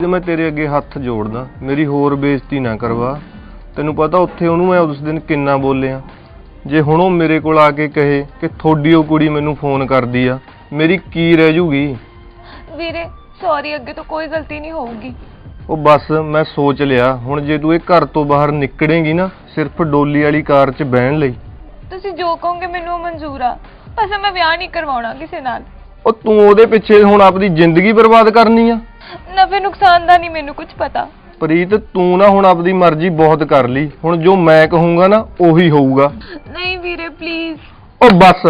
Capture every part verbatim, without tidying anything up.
मैं तेरे अगे हथ जोड़दा, मेरी होर बेइज्जती ना करवा। तैनूं पता उत्थे उहनूं मैं उस दिन किन्ना बोलिया। जे हुण ओह मेरे कोल आके कहे कि थोड़ी ओह कुड़ी मैनूं फोन करदी आ, मेरी की रह जूगी। वीरे सॉरी, अगे तो कोई गलती नहीं होगी। ਉਹ बस मैं सोच लिया, हुण जे तूं ਇਹ घर तो बाहर निकलेगी ना सिर्फ डोली वाली कार 'ਚ बहन लई। ਤੁਸੀਂ ਜੋ ਕਹੋਗੇ ਮੈਨੂੰ ਮਨਜ਼ੂਰ ਆ, ਬਸ ਮੈਂ ਵਿਆਹ ਨਹੀਂ ਕਰਵਾਉਣਾ ਕਿਸੇ ਨਾਲ। ਉਹ ਤੂੰ ਉਹਦੇ ਪਿੱਛੇ ਹੁਣ ਆਪਣੀ ਜ਼ਿੰਦਗੀ ਬਰਬਾਦ ਕਰਨੀ ਆ। ਨਫੇ ਨੁਕਸਾਨ ਦਾ ਨਹੀਂ ਮੈਨੂੰ ਕੁਝ ਪਤਾ। ਪ੍ਰੀਤ ਤੂੰ ਨਾ ਹੁਣ ਆਪਣੀ ਮਰਜ਼ੀ ਬਹੁਤ ਕਰ ਲਈ, ਹੁਣ ਜੋ ਮੈਂ ਕਹੂੰਗਾ ਨਾ ਉਹੀ ਹੋਊਗਾ। ਨਹੀਂ ਵੀਰੇ ਪਲੀਜ਼। ਉਹ ਬਸ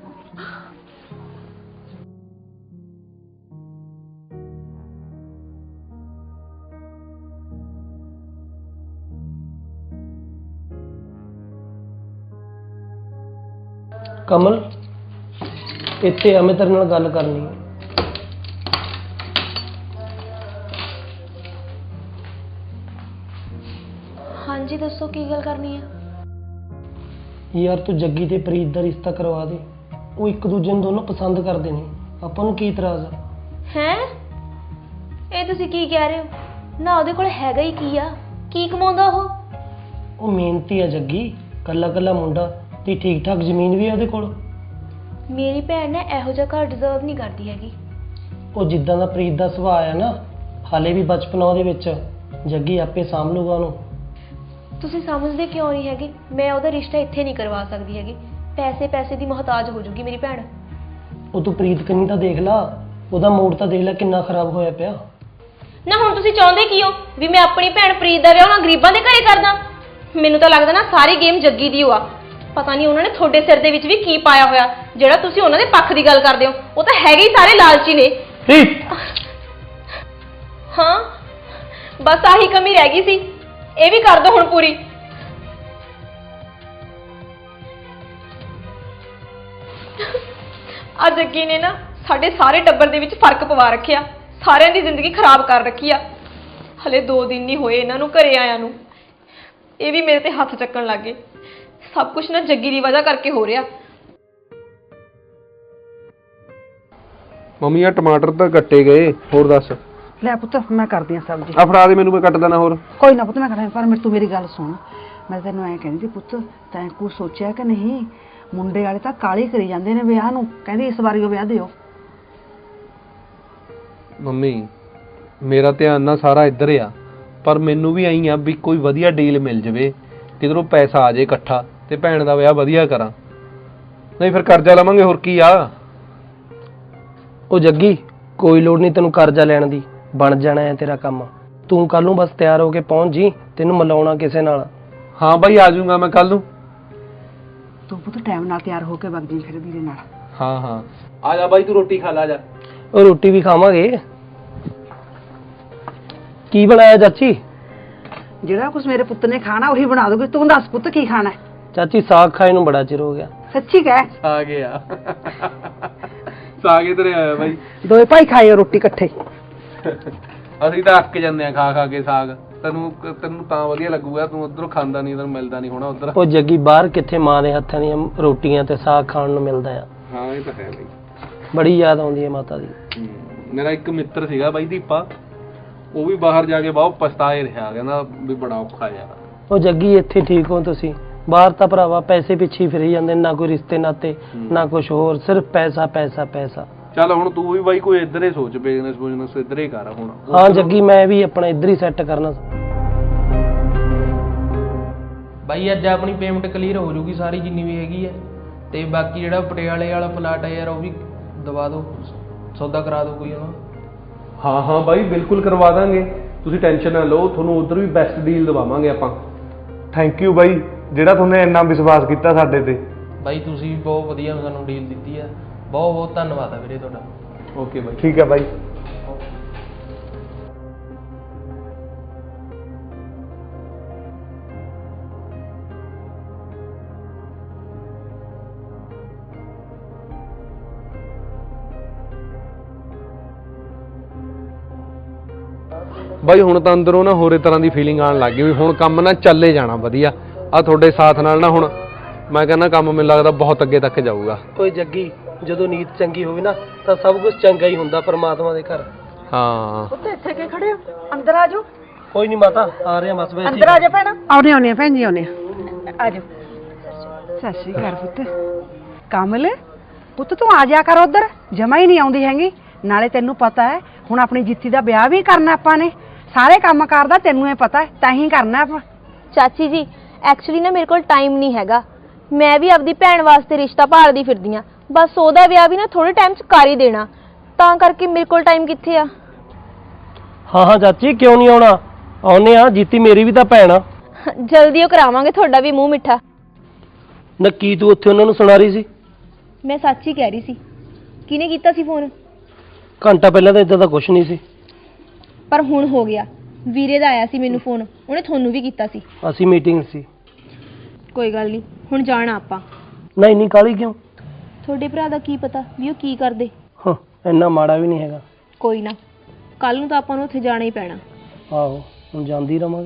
कमल इत्थे आ, मैं तेरे नाल गल करनी है। हाँ जी दसो की गल करनी है। यार तू जग्गी ते प्रीत दा रिश्ता करवा दे, वो एक दूजे नूं दोनों पसंद करदे ने, आपां नूं की इतराज़ है? हैं ਇਹ ਤੁਸੀਂ ਕੀ ਕਹਿ ਰਹੇ ਹੋ? ਨਾ ਉਹਦੇ ਕੋਲ ਹੈਗਾ ਹੀ ਕੀ ਆ, ਕੀ ਕਮਾਉਂਦਾ ਉਹ? ਉਹ ਮਿਹਨਤੀ ਆ ਜੱਗੀ, ਕੱਲਾ ਕੱਲਾ ਮੁੰਡਾ ਤੇ ਠੀਕ ਠਾਕ ਜ਼ਮੀਨ ਵੀ ਆ ਉਹਦੇ ਕੋਲ। ਮੇਰੀ ਭੈਣ ਨੇ ਇਹੋ ਜਿਹਾ ਘਰ ਡਿਜ਼ਰਵ ਨਹੀਂ ਕਰਦੀ ਹੈਗੀ। ਉਹ ਜਿੱਦਾਂ ਦਾ ਪ੍ਰੀਤ ਦਾ ਸੁਭਾਅ ਆ ਨਾ, ਹਾਲੇ ਵੀ ਬਚਪਨ ਉਹਦੇ ਵਿੱਚ, ਜੱਗੀ ਆਪੇ ਸਾਂਭ ਲੂਗਾ ਉਹਨੂੰ। ਤੁਸੀਂ ਸਮਝਦੇ ਕਿਉਂ ਨਹੀਂ ਹੈਗੇ? ਮੈਂ ਉਹਦਾ ਰਿਸ਼ਤਾ ਇੱਥੇ ਨਹੀਂ ਕਰਵਾ ਸਕਦੀ ਹੈਗੀ। ਪੈਸੇ ਪੈਸੇ ਦੀ ਮੁਹਤਾਜ ਹੋ ਜੂਗੀ ਮੇਰੀ ਭੈਣ। ਉਹ ਤੂੰ ਪ੍ਰੀਤ ਕੰਨੀ ਤਾਂ ਦੇਖ ਲਾ, ਉਹਦਾ ਮੂਡ ਤਾਂ ਦੇਖ ਲੈ ਕਿੰਨਾ ਖਰਾਬ ਹੋਇਆ ਪਿਆ। ਨਾ ਹੁਣ ਤੁਸੀਂ ਚਾਹੁੰਦੇ ਕੀ ਹੋ ਵੀ ਮੈਂ ਆਪਣੀ ਭੈਣ ਪ੍ਰੀਤ ਦਾ ਵਿਆਹ ਉਹਨਾਂ ਗਰੀਬਾਂ ਦੇ ਘਰੇ ਕਰਦਾ? ਮੈਨੂੰ ਤਾਂ ਲੱਗਦਾ ਨਾ ਸਾਰੀ ਗੇਮ ਜੱਗੀ ਦੀ ਹੋਆ। ਪਤਾ ਨਹੀਂ ਉਹਨਾਂ ਨੇ ਤੁਹਾਡੇ ਸਿਰ ਦੇ ਵਿੱਚ ਵੀ ਕੀ ਪਾਇਆ ਹੋਇਆ ਜਿਹੜਾ ਤੁਸੀਂ ਉਹਨਾਂ ਦੇ ਪੱਖ ਦੀ ਗੱਲ ਕਰਦੇ ਹੋ। ਉਹ ਤਾਂ ਹੈਗੇ ਹੀ ਸਾਰੇ ਲਾਲਚੀ ਨੇ। ਹਾਂ ਬਸ ਆਹੀ ਕਮੀ ਰਹਿ ਗਈ ਸੀ, ਇਹ ਵੀ ਕਰ ਦੋ ਹੁਣ ਪੂਰੀ। ਆ ਜੱਗੀ ਨੇ ਨਾ ਸਾਡੇ ਸਾਰੇ ਟੱਬਰ ਦੇ ਵਿੱਚ ਫਰਕ ਪਵਾ ਰੱਖਿਆ, ਸਾਰਿਆਂ ਦੀ ਜ਼ਿੰਦਗੀ ਖਰਾਬ ਕਰ ਰੱਖੀ ਆ। ਹਲੇ ਦੋ ਦਿਨ ਨਹੀਂ ਹੋਏ ਇਹਨਾਂ ਨੂੰ ਘਰੇ ਆਇਆਂ ਨੂੰ, ਇਹ ਵੀ ਮੇਰੇ ਤੇ ਹੱਥ ਚੱਕਣ ਲੱਗ ਗਏ। ਸਭ ਕੁਝ ਨਾ ਜੱਗੀ ਦੀ ਵਜ੍ਹਾ ਕਰਕੇ ਹੋ ਰਿਹਾ। ਮੰਮੀ ਆ ਟਮਾਟਰ ਤਾਂ ਕੱਟੇ ਗਏ, ਹੋਰ ਦੱਸ। ਲੈ ਪੁੱਤ ਮੈਂ ਕਰਦੀ ਆ ਸਬਜ਼ੀ। ਆ ਫੜਾ ਦੇ ਮੈਨੂੰ, ਮੈਂ ਕੱਟ ਦੇਣਾ ਹੋਰ। ਕੋਈ ਨਾ ਪੁੱਤ ਮੈਂ ਕਰਾਂ, ਪਰ ਮੇਰੇ ਤੂੰ ਮੇਰੀ ਗੱਲ ਸੁਣ। ਮੈਂ ਤੈਨੂੰ ਐਂ ਕਹਿੰਦੀ ਸੀ ਪੁੱਤ, ਤੈਂ ਕੁਛ ਸੋਚਿਆ ਕਿ ਨਹੀਂ? ਮੁੰਡੇ ਵਾਲੇ ਤਾਂ ਕਾਲੀ ਕਰੀ ਜਾਂਦੇ ਨੇ ਵਿਆਹ ਨੂੰ, ਕਹਿੰਦੀ ਇਸ ਵਾਰੀ ਉਹ ਵਿਆਹ ਦਿਓ। ਮੰਮੀ ਮੇਰਾ ਧਿਆਨ ਨਾ ਸਾਰਾ ਇੱਧਰ ਆ, ਪਰ ਮੈਨੂੰ ਵੀ ਆਈ ਆ ਵੀ ਕੋਈ ਵਧੀਆ ਡੀਲ ਮਿਲ ਜਾਵੇ, ਕਿਧਰੋਂ ਪੈਸਾ ਆ ਜਾਏ ਇਕੱਠਾ ਤੇ ਭੈਣ ਦਾ ਵਿਆਹ ਵਧੀਆ ਕਰਾਂ, ਨਹੀਂ ਫਿਰ ਕਰਜ਼ਾ ਲਵਾਂਗੇ, ਹੋਰ ਕੀ ਆ। ਉਹ ਜੱਗੀ ਕੋਈ ਲੋੜ ਨਹੀਂ ਤੈਨੂੰ ਕਰਜ਼ਾ ਲੈਣ ਦੀ, ਬਣ ਜਾਣਾ ਹੈ ਤੇਰਾ ਕੰਮ। ਤੂੰ ਕੱਲ ਨੂੰ ਬਸ ਤਿਆਰ ਹੋ ਕੇ ਪਹੁੰਚ ਜੀ, ਤੈਨੂੰ ਮਿਲਾਉਣਾ ਕਿਸੇ ਨਾਲ। ਹਾਂ ਬਾਈ ਆ ਜਾਊਂਗਾ ਮੈਂ ਕੱਲ ਨੂੰ। ਤੂੰ ਪੁੱਤ ਟਾਈਮ ਨਾਲ ਤਿਆਰ ਹੋ ਕੇ ਵਗ ਜੀ ਫਿਰ ਵੀਰੇ ਨਾਲ। ਹਾਂ ਹਾਂ ਆ ਜਾ ਬਾਈ, ਤੂੰ ਰੋਟੀ ਖਾ ਲਾ ਜਾ। ਉਹ ਰੋਟੀ ਵੀ ਖਾਵਾਂਗੇ। ਕੀ ਬਣਾਇਆ ਚਾਚੀ? ਜਿਹੜਾ ਕੁਛ ਮੇਰੇ ਪੁੱਤ ਨੇ ਖਾਣਾ ਉਹੀ ਬਣਾ ਦੋਗੇ। ਤੂੰ ਦੱਸ ਪੁੱਤ ਕੀ ਖਾਣਾ ਹੈ? ਚਾਚੀ ਸਾਗ ਖਾਏ ਨੂੰ ਬੜਾ ਚਿਰ ਹੋ ਗਿਆ। ਸੱਚੀ ਕਹਿ। ਆ ਗਿਆ ਸਾਗ ਇਧਰ ਆਇਆ ਬਾਈ। ਦੋਏ ਭਾਈ ਖਾਏ ਰੋਟੀ ਇਕੱਠੇ। ਅਸੀਂ ਤਾਂ ਅੱਕ ਜਾਂਦੇ ਆ ਖਾ ਖਾ ਕੇ ਸਾਗ। ਤੈਨੂੰ ਤੈਨੂੰ ਤਾਂ ਵਧੀਆ ਲੱਗੂਗਾ, ਤੂੰ ਉਧਰੋਂ ਖਾਂਦਾ ਨਹੀਂ, ਤੈਨੂੰ ਮਿਲਦਾ ਨਹੀਂ ਹੋਣਾ ਉਧਰ। ਉਹ ਜੱਗੀ ਬਾਹਰ ਕਿੱਥੇ ਮਾਂ ਦੇ ਹੱਥਾਂ ਦੀਆਂ ਰੋਟੀਆਂ ਤੇ ਸਾਗ ਖਾਣ ਨੂੰ ਮਿਲਦਾ ਆ। ਹਾਂ ਇਹ ਤਾਂ ਹੈ ਬਾਈ, ਬੜੀ ਯਾਦ ਆਉਂਦੀ ਹੈ ਮਾਤਾ ਦੀ। ਮੇਰਾ ਇੱਕ ਮਿੱਤਰ ਸੀਗਾ ਬਾਈ ਦੀਪਾ, ਉਹ ਵੀ ਬਾਹਰ ਜਾ ਕੇ ਬਹੁਤ ਪਛਤਾਏ ਰਿਹਾ, ਕਹਿੰਦਾ ਵੀ ਬੜਾ ਔਖਾ ਯਾਰ। ਉਹ ਜੱਗੀ ਇੱਥੇ ਠੀਕ ਹੋ ਤੁਸੀਂ, ਬਾਹਰ ਤਾਂ ਭਰਾਵਾ ਪੈਸੇ ਪਿੱਛੇ ਫਿਰੀ ਜਾਂਦੇ, ਨਾ ਕੋਈ ਰਿਸ਼ਤੇ ਨਾਤੇ ਨਾ ਕੁਝ ਹੋਰ, ਸਿਰਫ ਪੈਸਾ ਪੈਸਾ ਪੈਸਾ। ਚੱਲ ਹੁਣ ਤੂੰ ਵੀ ਬਾਈ ਕੋਈ ਇੱਧਰ ਹੀ ਸੋਚ, ਬਿਜ਼ਨਸ ਬੁਜ਼ਨਸ ਇੱਧਰ ਹੀ ਕਰ ਹੁਣ। ਹਾਂ ਜੱਗੀ ਮੈਂ ਵੀ ਆਪਣਾ ਇੱਧਰ ਹੀ ਸੈੱਟ ਕਰਨਾ। ਬਾਈ ਅੱਜ ਆਪਣੀ ਪੇਮੈਂਟ ਕਲੀਅਰ ਹੋ ਜੂਗੀ ਸਾਰੀ ਜਿੰਨੀ ਵੀ ਹੈਗੀ ਹੈ, ਤੇ ਬਾਕੀ ਜਿਹੜਾ ਪਟਿਆਲੇ ਵਾਲਾ ਪਲਾਟ ਹੈ ਯਾਰ ਉਹ ਵੀ ਦਵਾ ਦਿਓ, ਸੌਦਾ ਕਰਾ ਦਿਓ ਕੋਈ ਉਹਨਾਂ। ਹਾਂ ਹਾਂ ਬਾਈ ਬਿਲਕੁਲ ਕਰਵਾ ਦਾਂਗੇ, ਤੁਸੀਂ ਟੈਨਸ਼ਨ ਨਾ ਲਓ, ਤੁਹਾਨੂੰ ਉਧਰ ਵੀ ਬੈਸਟ ਡੀਲ ਦਵਾਵਾਂਗੇ ਆਪਾਂ। ਥੈਂਕ ਯੂ ਬਾਈ, ਜਿਹੜਾ ਤੁਮਨੇ ਇੰਨਾ ਵਿਸ਼ਵਾਸ ਕੀਤਾ ਸਾਡੇ ਤੇ। ਬਾਈ ਤੁਸੀਂ ਵੀ ਬਹੁਤ ਵਧੀਆ ਸਾਨੂੰ ਡੀਲ ਦਿੱਤੀ ਹੈ, ਬਹੁਤ ਬਹੁਤ ਧੰਨਵਾਦ ਹੈ ਵੀਰੇ ਤੁਹਾਡਾ। Okay bye. ਠੀਕ ਹੈ ਬਾਈ। ਬਾਈ ਹੁਣ ਤਾਂ ਅੰਦਰੋਂ ਨਾ ਹੋਰੇ ਤਰ੍ਹਾਂ ਦੀ ਫੀਲਿੰਗ ਆਉਣ ਲੱਗ ਗਈ ਵੀ ਹੁਣ ਕੰਮ ਨਾ ਚੱਲੇ ਜਾਣਾ ਵਧੀਆ। ਆ ਤੁਹਾਡੇ ਸਾਥ ਨਾਲ ਨਾ ਹੁਣ ਮੈਂ ਕਹਿੰਦਾ ਕੰਮ ਮੈਨੂੰ ਲੱਗਦਾ ਬਹੁਤ ਅੱਗੇ ਤੱਕ ਜਾਊਗਾ। ਕੋਈ ਜੱਗੀ ਜਦੋਂ ਨੀਤ ਚੰਗੀ ਹੋਵੇ ਨਾ ਤਾਂ ਸਭ ਕੁਝ ਚੰਗਾ ਹੀ ਹੁੰਦਾ ਪਰਮਾਤਮਾ ਦੇ ਘਰ। ਹਾਂ ਪੁੱਤ ਇੱਥੇ ਕੀ ਖੜੇ ਹੋ ਅੰਦਰ ਆ ਜਾਓ ਕੋਈ ਨਹੀਂ ਮਾਤਾ ਆ ਰਹੇ ਆ ਬਸ ਵੈਸੇ ਅੰਦਰ ਆ ਜਾ ਭੈਣਾ ਆਉਣੇ ਆਉਣੇ ਭੈਣ ਜੀ ਆਉਣੇ ਆ ਜਾਓ ਸਤਿ ਸ਼੍ਰੀ ਅਕਾਲ ਪੁੱਤ ਕਮਲ ਪੁੱਤ ਤੂੰ ਆ ਜਾ ਕਰ ਉਧਰ ਜਮਾ ਹੀ ਨਹੀਂ ਆਉਂਦੀ ਹੈਗੀ ਨਾਲੇ ਤੈਨੂੰ ਪਤਾ ਹੈ ਹੁਣ ਆਪਣੀ ਜਿੱਤੀ ਦਾ ਵਿਆਹ ਵੀ ਕਰਨਾ ਆਪਾਂ ਨੇ ਸਾਰੇ ਕੰਮ ਕਰਦਾ ਤੈਨੂੰ ਇਹ ਪਤਾ ਹੈ ਤਾਂ ਹੀ ਕਰਨਾ ਆਪਾਂ ਚਾਚੀ ਜੀ ਐਕਚੁਅਲੀ ਨਾ ਮੇਰੇ ਕੋਲ ਟਾਈਮ ਨਹੀਂ ਹੈਗਾ ਮੈਂ ਵੀ ਆਪਦੀ ਭੈਣ ਵਾਸਤੇ ਰਿਸ਼ਤਾ ਭਾਲਦੀ ਫਿਰਦੀ ਆ ਬਸ ਉਹਦਾ ਵਿਆਹ ਵੀ ਨਾ ਥੋੜੇ ਟਾਈਮ 'ਚ ਕਰ ਹੀ ਦੇਣਾ ਤਾਂ ਕਰਕੇ ਮੇਰੇ ਕੋਲ ਟਾਈਮ ਕਿੱਥੇ ਆ ਹਾਂ ਹਾਂ ਚਾਚੀ ਕਿਉਂ ਨਹੀਂ ਆਉਣਾ ਆਉਨੇ ਆ ਜੀਤੀ ਮੇਰੀ ਵੀ ਤਾਂ ਭੈਣ ਆ ਜਲਦੀ ਉਹ ਕਰਾਵਾਂਗੇ ਤੁਹਾਡਾ ਵੀ ਮੂੰਹ ਮਿੱਠਾ ਨਾ ਕੀ ਤੂੰ ਉੱਥੇ ਉਹਨਾਂ ਨੂੰ ਸੁਣਾ ਰਹੀ ਸੀ ਮੈਂ ਸੱਚ ਹੀ ਕਹਿ ਰਹੀ ਸੀ ਕਿਹਨੇ ਕੀਤਾ ਸੀ ਫੋਨ ਘੰਟਾ ਪਹਿਲਾਂ ਤਾਂ ਇਦਾਂ ਦਾ ਕੁਝ ਨਹੀਂ ਸੀ ਪਰ ਹੁਣ ਹੋ ਗਿਆ ਵੀਰੇ ਦਾ ਆਇਆ ਸੀ ਮੈਨੂੰ ਫੋਨ ਉਹਨੇ ਤੁਹਾਨੂੰ ਵੀ ਕੀਤਾ ਸੀ ਅਸੀਂ ਮੀਟਿੰਗ ਸੀ ਕੋਈ ਗੱਲ ਨਹੀਂ ਹੁਣ ਜਾਣਾ ਆਪਾਂ ਨਹੀਂ ਨਹੀਂ ਕਾਲੀ ਕਿਉਂ ਤੁਹਾਡੇ ਭਰਾ ਦਾ ਕੀ ਪਤਾ ਵੀ ਉਹ ਕੀ ਕਰਦੇ ਹਾਂ ਇੰਨਾ ਮਾੜਾ ਵੀ ਨਹੀਂ ਹੈਗਾ ਕੋਈ ਨਾ ਕੱਲ ਨੂੰ ਤਾਂ ਆਪਾਂ ਨੂੰ ਉੱਥੇ ਜਾਣਾ ਹੀ ਪੈਣਾ ਆਹੋ ਹੁਣ ਜਾਂਦੀ ਰਵਾਂਗੇ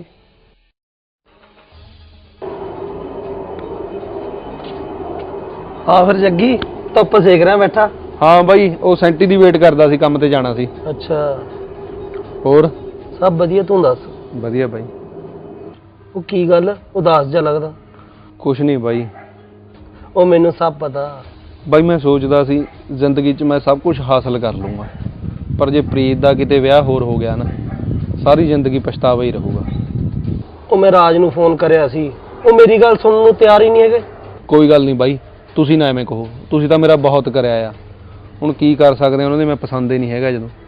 ਹਾਂ ਫਿਰ ਜੱਗੀ ਧੁੱਪ ਸੇਕ ਰਿਹਾ ਬੈਠਾ ਹਾਂ ਬਾਈ ਉਹ ਸੈਂਟੀ ਦੀ ਵੇਟ ਕਰਦਾ ਸੀ ਕੰਮ ਤੇ ਜਾਣਾ ਸੀ ਅੱਛਾ ਹੋਰ ਸਭ ਵਧੀਆ ਤੂੰ ਦੱਸ ਵਧੀਆ ਬਾਈ ਉਹ ਕੀ ਗੱਲ ਉਦਾਸ ਜਿਹਾ ਲੱਗਦਾ ਕੁਛ ਨਹੀਂ ਬਾਈ ਉਹ ਮੈਨੂੰ ਸਭ ਪਤਾ ਬਾਈ ਮੈਂ ਸੋਚਦਾ ਸੀ ਜ਼ਿੰਦਗੀ 'ਚ ਮੈਂ ਸਭ ਕੁਝ ਹਾਸਲ ਕਰ ਲੂੰਗਾ ਪਰ ਜੇ ਪ੍ਰੀਤ ਦਾ ਕਿਤੇ ਵਿਆਹ ਹੋਰ ਹੋ ਗਿਆ ਨਾ ਸਾਰੀ ਜ਼ਿੰਦਗੀ ਪਛਤਾਵਾ ਹੀ ਰਹੂਗਾ ਉਹ ਮੈਂ ਰਾਜ ਨੂੰ ਫੋਨ ਕਰਿਆ ਸੀ ਉਹ ਮੇਰੀ ਗੱਲ ਸੁਣਨ ਨੂੰ ਤਿਆਰ ਹੀ ਨਹੀਂ ਹੈਗੇ ਕੋਈ ਗੱਲ ਨਹੀਂ ਬਾਈ ਤੁਸੀਂ ਨਾ ਐਵੇਂ ਕਹੋ ਤੁਸੀਂ ਤਾਂ ਮੇਰਾ ਬਹੁਤ ਕਰਿਆ ਆ ਹੁਣ ਕੀ ਕਰ ਸਕਦੇ ਆ ਉਹਨਾਂ ਦੇ ਮੈਂ ਪਸੰਦ ਹੀ ਨਹੀਂ ਹੈਗਾ ਜਦੋਂ